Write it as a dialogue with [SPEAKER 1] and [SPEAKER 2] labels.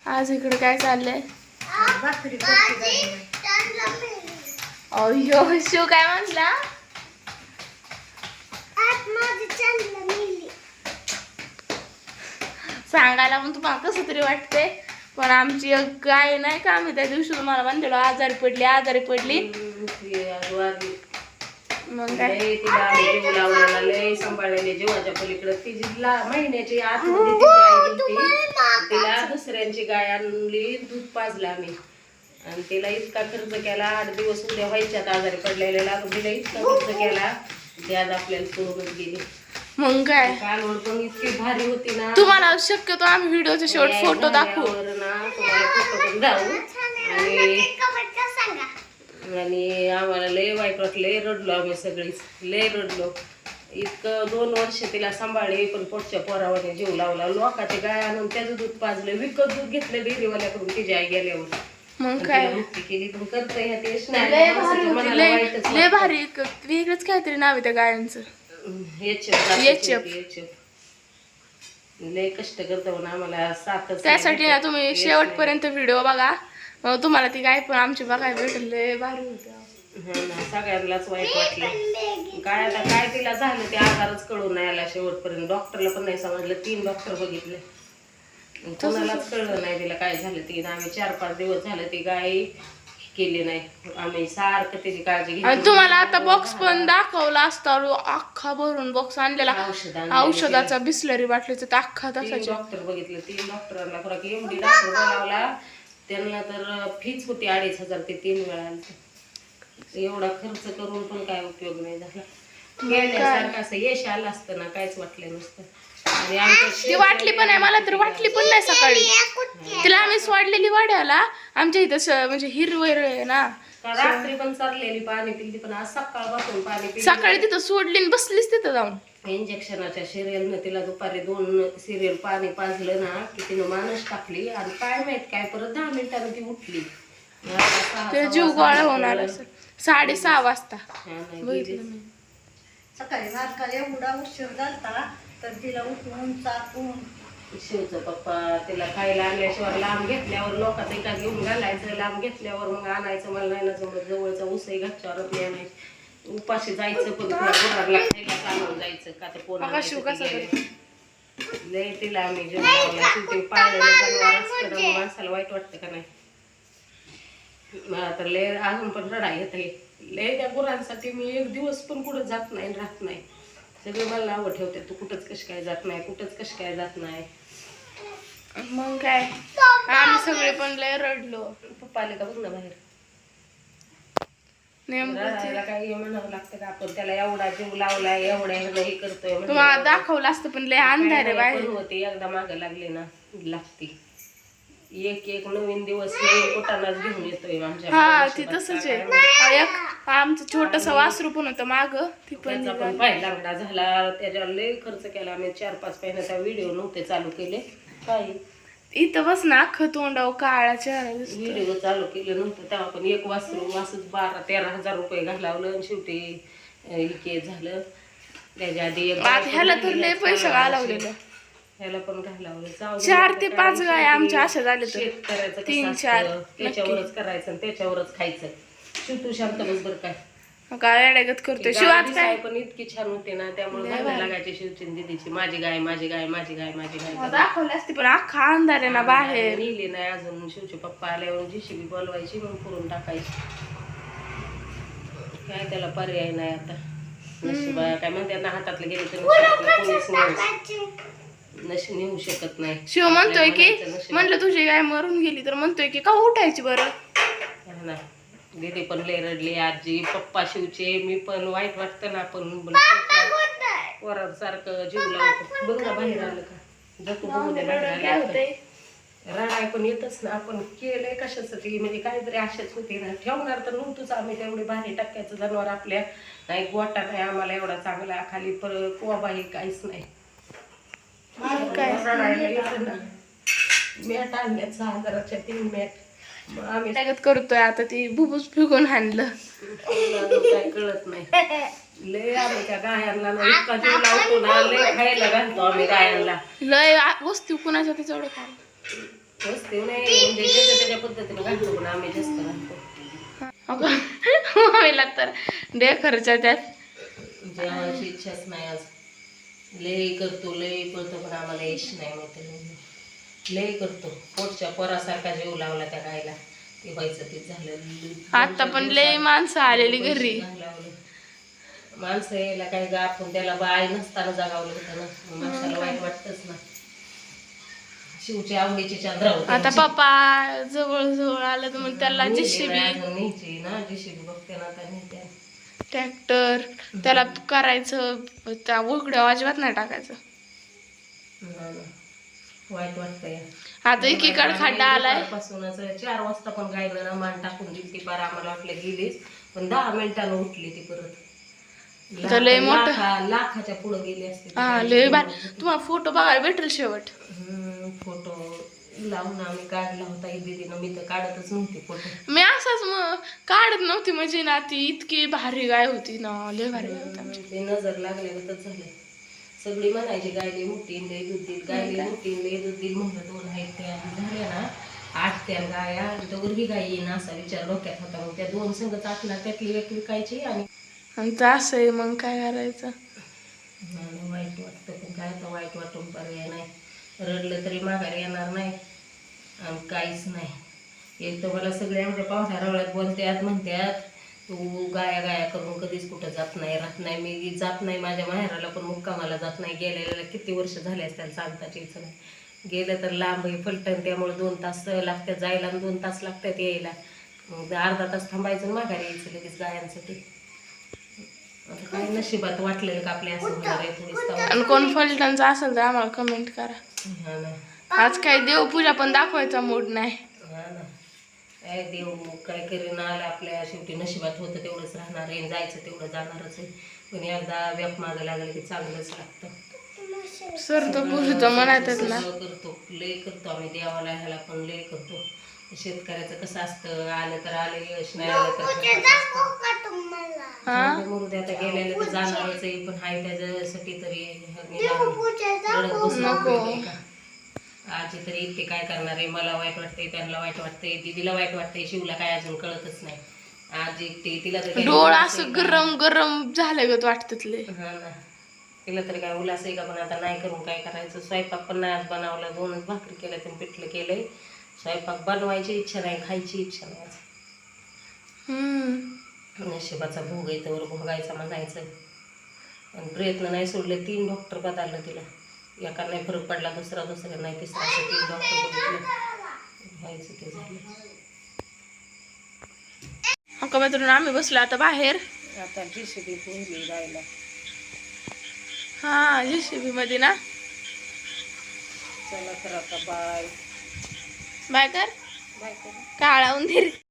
[SPEAKER 1] आज इकडे काय चाललंय? अय्यो शिव काय म्हणला? सांगायला पण तुम्हाला कसं तरी वाटते, पण आमची एक गाय नाही का, आम्ही त्या दिवशी तुम्हाला म्हणलेलो आजारी पडली मग काय
[SPEAKER 2] तिला जीव लावलेला लय सांभाळलेले जीवाच्या पलीकडे तिला महिन्याची आत तिला दुसऱ्यांची गाय आणली, दूध पाजला आम्ही आणि तिला इतका खर्च केला. 8 दिवस उद्या व्हायच्यात आजारी पडलेला, तिला इतका खर्च केला ते आज आपल्याला सोडूनच गेली.
[SPEAKER 1] मग काय
[SPEAKER 2] कालवड पण इतकी भारी होती ना.
[SPEAKER 1] तुम्हाला शक्यतो आम्ही व्हिडिओचे शेवट फोटो दाखवू
[SPEAKER 2] ना, तुम्हाला फोटो पण दाखवू. आणि आम्हाला लय वाईट वाटलं, लय रडलो आम्ही सगळीच, लय रडलो. इतकं 2 वर्ष तिला सांभाळले, पण पोटच्या पोरावाने जीव लावला. लोकांचे गाय आणून त्याचं दूध पाजलं, विकत दूध घेतलं डेअरीवाल्याकडून तिची आई गेल्यावर.
[SPEAKER 1] मग काय
[SPEAKER 2] मुक्ती केली, पण करता ह्या तेच
[SPEAKER 1] लय भारी होती, लय भारी. वेगळंच काहीतरी नाव आहे त्या गायांचं,
[SPEAKER 2] लय कष्ट करतो ना आम्हाला साथ.
[SPEAKER 1] त्यासाठी ना तुम्ही शेवटपर्यंत व्हिडिओ बघा, तुम्हाला ती गाय पण आमची बघायला भेटेल. लय भारी होती.
[SPEAKER 2] सगळ्यांनाच वाईट वाटलं. काय आता काय तिला झालं ते आजारच कळून नाही आला शेवटपर्यंत. डॉक्टरला पण नाही समजलं, 3 डॉक्टर बघितले, कोणालाच कळलं नाही तिला काय झालं. ती आम्ही 4-5 दिवस झालं ती गाय केली नाही. आम्ही सारखं त्याची काळजी घेतली.
[SPEAKER 1] तुम्हाला आता बॉक्स पण दाखवला असता, अख्खा भरून बॉक्स आणलेला औषधाचा, बिस्लरी बाटलीचा अख्खा तसाच.
[SPEAKER 2] डॉक्टर बघितलं, 3 डॉक्टरांना फरक एमडी डॉक्टर बोलावला. त्यांना तर फीच होती 2,500 ते 3 वेळा. एवढा खर्च करून पण काय उपयोग नाही झाला. गेल्यासारखं असं यश आलं असतं ना, काहीच वाटलं नसतं.
[SPEAKER 1] ती वाटली पण आहे, मला तर वाटली पण नाही सकाळी. तिला आम्ही सोडलेली वाड्याला, आमच्या इथं म्हणजे हिरवळ आहे ना,
[SPEAKER 2] रात्री पण चाललेली पाणी पिली, पण आज सकाळपासून पाणी पिली.
[SPEAKER 1] सकाळी तिथं सोडली आणि बसलीच तिथं जाऊन.
[SPEAKER 2] इंजेक्शनाच्या सिरियलनं तिला दुपारी 2 सिरियल पाणी पाजलं ना की तिनं मानस टाकली. आणि काय माहित काय परत 10 मिनिटांनी ती उठली.
[SPEAKER 1] ते जीव गोळा होणार असेल. 6:30 वाजता
[SPEAKER 3] सकाळी नाटकाला एवढा उशीर झाला तर तिला उठवून चाकून.
[SPEAKER 2] शिवचा पप्पा तिला खायला आणल्याशिवाय लांब घेतल्यावर लोकांचं एका घेऊन घालायचं, लांब घेतल्यावर मग आणायचं. मला नाही ना जमत, जवळचा उसही घरच्यावर मी आणायचं. उपाशी जायचं पण गुरांना खायला चालवून जायचं का तर कोण लय तिला आम्ही जेवण पाळलेलं जनावर असतं ना, माणसाला वाईट वाटतं का नाही. मला तर लय अजून पण रडा येत आहे. लय त्या गुरांसाठी मी 1 दिवस पण कुठं जात नाही, राहत नाही. सगळे मला नावं ठेवते, तू कुठंच कशी काय जात नाही, कुठंच कशी काय जात नाही.
[SPEAKER 1] मग काय आम्ही सगळे पण लय रडलो.
[SPEAKER 2] पप्पा आले का बघ ना बाहेर. रडायला काही म्हणावं लागतं का आपण, त्याला एवढा जीव लावलाय, एवढ्या हे करतोय.
[SPEAKER 1] तुम्हाला दाखवलं असतं पण लय अंधार आहे बाहेर
[SPEAKER 2] होते. एकदा मागं लागले ना लागते. एक नवीन दिवस नवीन पोटालाच घेऊन येतोय आमच्या.
[SPEAKER 1] हा ती तसंच आहे. एक आमचं छोटस वासरू पण होतं माग, ती पण
[SPEAKER 2] पाय लागला झाला. त्याच्यावर लय खर्च केला आम्ही. 4-5 महिन्याचा व्हिडिओ नव्हते चालू केले. काय
[SPEAKER 1] इथं बस ना अख्खं तोंडाव काळा चेहरा
[SPEAKER 2] व्हिडिओ चालू केलं नव्हतं तेव्हा पण. एक वासरू असंच 12-13 रुपये घालावलं आणि शेवटी हे झालं. त्याच्या आधी
[SPEAKER 1] ह्याला तर लय पैसे घालवलेलं,
[SPEAKER 2] ह्याला पण घालावलं.
[SPEAKER 1] 4 ते 5 गाय आमच्या अशा झाले.
[SPEAKER 2] शेतकऱ्याचं
[SPEAKER 1] 3-4
[SPEAKER 2] त्याच्यावरच करायचं आणि त्याच्यावरच खायचं. शिवतू शांत बस बरं काय
[SPEAKER 1] काय अडगत करतोय. शिवाच काय
[SPEAKER 2] पण इतकी छान होते ना, त्यामुळे भांडण लागायची शिवची दीदीची. माझी गाय माझी गाय माझी गाय माझी गाय
[SPEAKER 1] दाखवली असती, पण अख्खा अंधार आहे ना बाहेर.
[SPEAKER 2] नेली नाही अजून. शिवचे पप्पा आल्यावर JCB बोलवायची, मग करून टाकायची. काय त्याला पर्याय नाही आता. नशिबा काय म्हणते ना, हातातलं गेले तर कोणीच नेऊ शकत नाही.
[SPEAKER 1] शिव म्हणतोय की, म्हणलं तुझी गाय मरून गेली तर म्हणतोय की का उठायची बरं.
[SPEAKER 2] दीदी पण लय रडली, आजी पप्पा शिवचे. मी पण वाईट वाटतं ना, आपण वरासारखं जीव लावतो. बघ ना बाहेर आलं का, जातो रडाय पण येतच ना. आपण केलंय कशासाठी, म्हणजे काहीतरी आशाच होती ना. ठेवणार तर नव्हतंच आम्ही. तेवढे भारी टक्क्याचं जनावर आपल्या नाही. गोटा नाही आम्हाला एवढा चांगला, खाली कोबा हे काहीच नाही. रडायला येतं ना. मॅट आणल्या 6,000च्या 3 मॅट. आम्ही
[SPEAKER 1] त्यागत करतोय आता. ती भुबूस फिकून हाणलं,
[SPEAKER 2] काय कळत नाही. लय आम्ही त्या गायांना इतका जीव लावतो ना, लय खायला घालतो आम्ही गायांना.
[SPEAKER 1] लय वस्तू कुणाच्या तिच्यावर काय
[SPEAKER 2] वस्ती नाही म्हणजे ज्याच्या त्याच्या पद्धतीने घालतो पण आम्ही जास्त घालतो.
[SPEAKER 1] मम्मीला तर दे खर्चा त्यात.
[SPEAKER 2] जेवणाची इच्छाच नाही आज. लय करतो लय करतो पण आम्हाला यश नाही माहिती. लय करतो पोटच्या पोरासारखा जीव लावला त्या गायला. ते व्हायचं ते झालं.
[SPEAKER 1] आता पण लय माणसं आलेली घरी.
[SPEAKER 2] माणसं यायला काय गा आपण त्याला बाय नसताना जागावलं होतं ना. माणसाला वाईट वाटतच ना. शिवची आवडीची चंद्र होते.
[SPEAKER 1] आता पप्पा जवळ जवळ आलं तर मग त्याला जेसीबी
[SPEAKER 2] न्यायची ना जेसीबी बघते ना आता नेत्या.
[SPEAKER 1] ट्रॅक्टर त्याला करायचं त्या उघड्या अजिबात नाही टाकायचं.
[SPEAKER 2] वाईट वाटतंय.
[SPEAKER 1] आता एकीकडे खड्डा आलाय.
[SPEAKER 2] पासूनच 4 वाजता पण गायला ना मान टाकून दिली ती पार आम्हाला वाटलं गेलीच पण 10 मिनिटानं उठली ती परत.
[SPEAKER 1] लय मोठं
[SPEAKER 2] लाखाच्या पुढे गेली असते.
[SPEAKER 1] हा लय तुम्हाला फोटो बघायला भेटेल शेवट.
[SPEAKER 2] फोटो लावून आम्ही काढला होता दीदीनं. मी तर काढतच नव्हती फोटो.
[SPEAKER 1] मी असाच काढत नव्हती म्हणजे ना ती इतकी भारी गाय होती ना. लय भारी गाय होती.
[SPEAKER 2] ते नजर लागल्यागतच झालं. सगळी म्हणायची गायली मोठी लय दूध देईल गायली मोठी लय दूध देईल म्हणलं 2 आहेत त्या झाल्या ना 8 त्या गाया तर ही गाय येईन असा विचार डोक्यात होता. मग त्या 2 संघ आटला त्यातली एक विकायची आणि
[SPEAKER 1] असं आहे मग काय करायचं.
[SPEAKER 2] वाईट वाटतं पण काय तर वाईट वाटून पर्याय नाही. रडलं तरी माघारी येणार नाही आणि काहीच नाही. एक तर मला सगळे आमच्या पाहुण्या रवळ्यात बोलतात म्हणतात तू गाया गाया करून कधीच कुठं जात नाही राहत नाही. मी जात नाही माझ्या माहेराला पण मुक्कामाला जात नाही. गेलेल्या किती वर्ष झाले असतात सांगताच यायचं नाही. गेलं तर लांब फलटण त्यामुळे 2 तास लागतात जायला आणि 2 तास लागतात यायला. मग अर्धा तास थांबायचं आणि माघारी यायचं लगेच गायांसाठी. आता काय नशिबात वाटलेलं का आपल्या असं होणार आहे थोडीच.
[SPEAKER 1] आणि कोण फलटणचं असेल तर आम्हाला कमेंट करा.
[SPEAKER 2] हा ना.
[SPEAKER 1] आज काय देवपूजा पण दाखवायचा मूड नाही.
[SPEAKER 2] हा ना. काय देव काय करीन आलं आपल्या शेवटी नशिबात होतं तेवढंच राहणार आहे. जायचं तेवढं जाणारच आहे. पण एकदा व्याप मागं लागलं की चांगलंच लागतं.
[SPEAKER 1] सर तो पुजतो म्हणायचं ना.
[SPEAKER 2] करतो लय करतो आम्ही देवाला ह्याला पण लय करतो. शेतकऱ्याचं कसं असतं आलं तर आलं यश नाही आलं तर मुरुदे आता गेलेलं तर जाणारच आहे. पण हाय त्याच्यासाठी तरी रडत बसू का. आजी तरी इतके काय करणार आहे. मला वाईट वाटतंय त्यांना वाईट वाटतंय दीदीला वाईट वाटतंय शिवला काय अजून कळतच नाही. आजी एकटी तिला तर
[SPEAKER 1] डोळा असं गरम गरम झालं वाटतले.
[SPEAKER 2] हा ना. तिला तरी काय उल्हास आहे का पण आता नाही करून काय करायचं. स्वयंपाक पण नाही आज बनवला. 2च भाकरी केल्या तर पिठलं केलंय. स्वयंपाक बनवायची इच्छा नाही खायची इच्छा नाही आज. नशिबाचा भोग आहे तर भोगायचा म्हणायचं. पण प्रयत्न नाही सोडले. 3 डॉक्टर बदललं तिला. एका नाही फरक पडला दुसरा नाही तिसरा असं 3 डॉक्टर बघितलं व्हायचं ते झालं.
[SPEAKER 1] मित्रांनो आम्ही बसलो आता बाहेर.
[SPEAKER 2] आता जेसीबी पोहली जायला.
[SPEAKER 1] हा जेसीबी मध्ये ना.
[SPEAKER 2] चला तर आता बाय
[SPEAKER 1] बाय कर.
[SPEAKER 2] बाय कर.
[SPEAKER 1] काळा उंदीर.